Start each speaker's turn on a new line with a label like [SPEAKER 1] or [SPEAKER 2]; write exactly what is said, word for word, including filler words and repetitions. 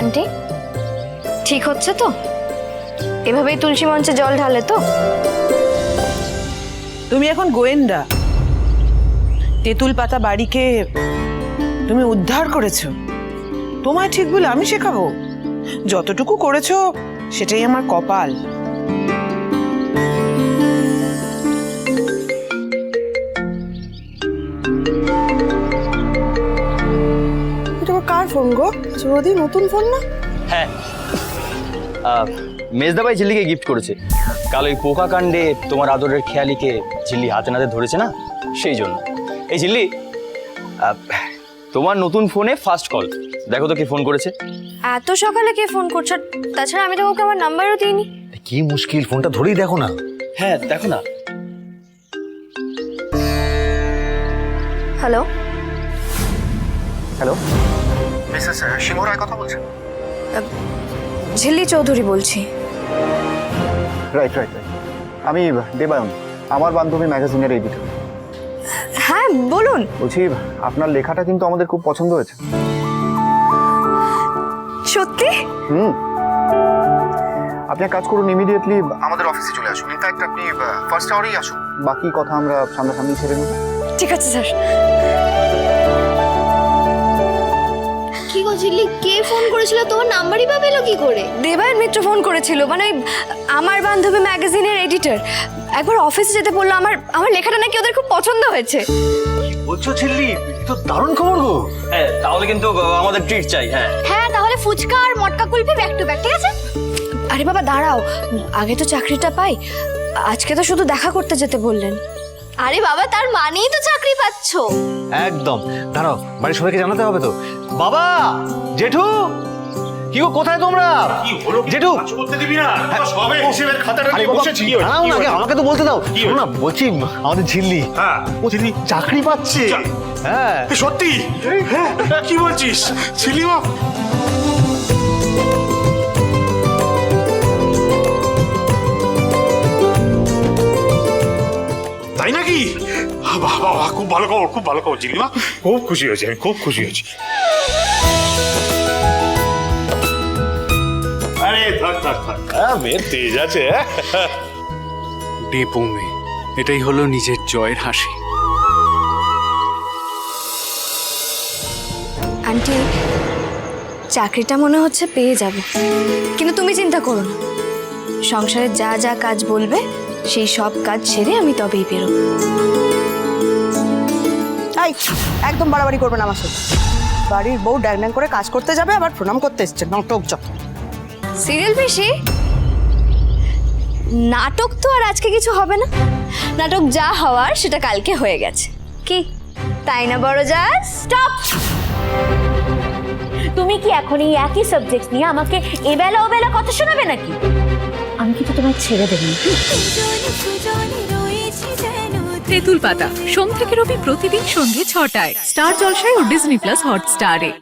[SPEAKER 1] Aunty ঠিক হচ্ছে তো? এভাবেই তুলসী মঞ্চে জল ঢালে তো?
[SPEAKER 2] তুমি এখন গোয়েন্দা, তেঁতুল পাতা বাড়িকে তুমি উদ্ধার করেছো। তোমায় ঠিক বলে আমি শেখাবো? যতটুকু করেছো সেটাই আমার কপাল। কার ফোন গো? চৌধুরী নতুন ফোন না?
[SPEAKER 3] হ্যাঁ, মেজদা ভাই ঝিল্লিকে গিফট করেছে। কাল ওই পোকা কাণ্ডে তোমার আদরের খেয়ালিকে ঝিল্লি হাতে নাতে ধরেছে না, সেই জন্য। এই ঝিল্লি, আহ, তোমার নতুন ফোনে ফার্স্ট কল, দেখো তো কে ফোন করেছে।
[SPEAKER 1] এত সকালে কে ফোন করছো? তাছাড়া আমি তো ওকে আমার নাম্বারও দিইনি।
[SPEAKER 4] কি মুশকিল, ফোনটা ধরেই দেখো না।
[SPEAKER 3] হ্যাঁ দেখো না।
[SPEAKER 1] Hello
[SPEAKER 4] hello,
[SPEAKER 5] Mrs Singha Roy কথা বলছেন?
[SPEAKER 1] ঝিল্লি চৌধুরী বলছি।
[SPEAKER 5] রাইট রাইট রাইট আমি দেবায়ন, আমার বান্ধবী ম্যাগাজিনের এডিটর।
[SPEAKER 1] হ্যাঁ বলুন।
[SPEAKER 5] বলছি আপনার লেখাটা কিন্তু আমাদের খুব পছন্দ হয়েছে।
[SPEAKER 1] সত্যি?
[SPEAKER 5] হুম, আপনি এক কাজ করুন, ইমিডিয়েটলি আমাদের অফিসে চলে আসুন। ইনফ্যাক্ট আপনি ফার্স্ট আওয়ারেই আসুন, বাকি কথা আমরা সামনাসামনি ছেড়ে নেব।
[SPEAKER 1] ঠিক আছে স্যার।
[SPEAKER 6] কি গো ঝিল্লি, কে ফোন করেছিল? তোমার নাম্বারই বা পেলো কি করে?
[SPEAKER 1] দেবায়ন মিত্র ফোন করেছিল, মানে আমার বান্ধবী ম্যাগাজিনের এডিটর। একবার অফিসে যেতে বললো, আমার আমার লেখাটা নাকি ওদের খুব পছন্দ হয়েছে।
[SPEAKER 4] বলছো ঝিল্লি, তো দারুণ খবর গো।
[SPEAKER 3] হ্যাঁ, তাহলে কিন্তু আমাদের ট্রিট চাই। হ্যাঁ
[SPEAKER 6] হ্যাঁ, তাহলে ফুচকা আর মটকা কুলফি ব্যাক টু ব্যাক, ঠিক আছে?
[SPEAKER 1] আরে বাবা দাঁড়াও, আগে তো চাকরিটা পাই। আজকে তো শুধু দেখা করতে যেতে বললেন।
[SPEAKER 6] আরে বাবা, তার মানেই তো চাকরি পাচ্ছো।
[SPEAKER 4] একদম, দাঁড়াও, বাড়ির সবাইকে জানাতে হবে তো। বাবা, জেঠু, কি গো, কোথায় তোমরা? জেঠু,
[SPEAKER 7] করতে দিবি না, সবে হিসেবের খাতাটা
[SPEAKER 4] আরে
[SPEAKER 7] নিয়ে
[SPEAKER 4] বাবা,
[SPEAKER 7] বসেছি।
[SPEAKER 4] দাঁড়াও না, আগে আমাকে তো বলতে দাও। শোনো না, বলছি আমাদের ঝিল্লি,
[SPEAKER 7] হ্যাঁ,
[SPEAKER 4] ও ঝিল্লি চাকরি পাচ্ছে। হ্যাঁ,
[SPEAKER 7] এ সত্যি? হ্যাঁ, কি বলছিস ছিলিমা? তাই নাকি? বাহ বাহ বাহ, খুব ভালো খবর, খুব ভালো খবর ছিলিমা, খুব খুশি হয়েছি, আমি খুব খুশি হয়েছি। আরে থাক থাক থাক, হ্যাঁ, মেয়ের তেজ আছে।
[SPEAKER 8] ডেপো মেয়ে, এটাই হলো নিজের জয়ের হাসি।
[SPEAKER 1] আন্টি, চাকরিটা মনে হচ্ছে পেয়ে যাব, কিন্তু তুমি চিন্তা করো না। সংসারে যা যা কাজ বলবে সেই সব কাজ ছেড়ে আমি তবেই বেরোবো।
[SPEAKER 2] এই একদম বাড়াবাড়ি করবেন আমার সাথে। বাড়ির বউ ড্যাং ড্যাং করে কাজ করতে যাবে, আবার প্রণাম করতে এসছে, নাটক যত।
[SPEAKER 1] সিরিয়াল বেশি নাটক তো আর আজকে কিছু হবে না। নাটক যা হওয়ার সেটা কালকে হয়ে গেছে। কি তাই না বড় যা? স্টপ!
[SPEAKER 6] তুমি কি এখন এই একই সাবজেক্ট নিয়ে আমাকে এবেলা ওবেলা কথা শোনাবে নাকি? আমি কিন্তু তোমায় ছেড়ে দেব না।
[SPEAKER 9] তেঁতুল পাতা সোম থেকে রবি প্রতিদিন সন্ধ্যে ছটায় স্টার জলসায় ও ডিজনি প্লাস হটস্টারে।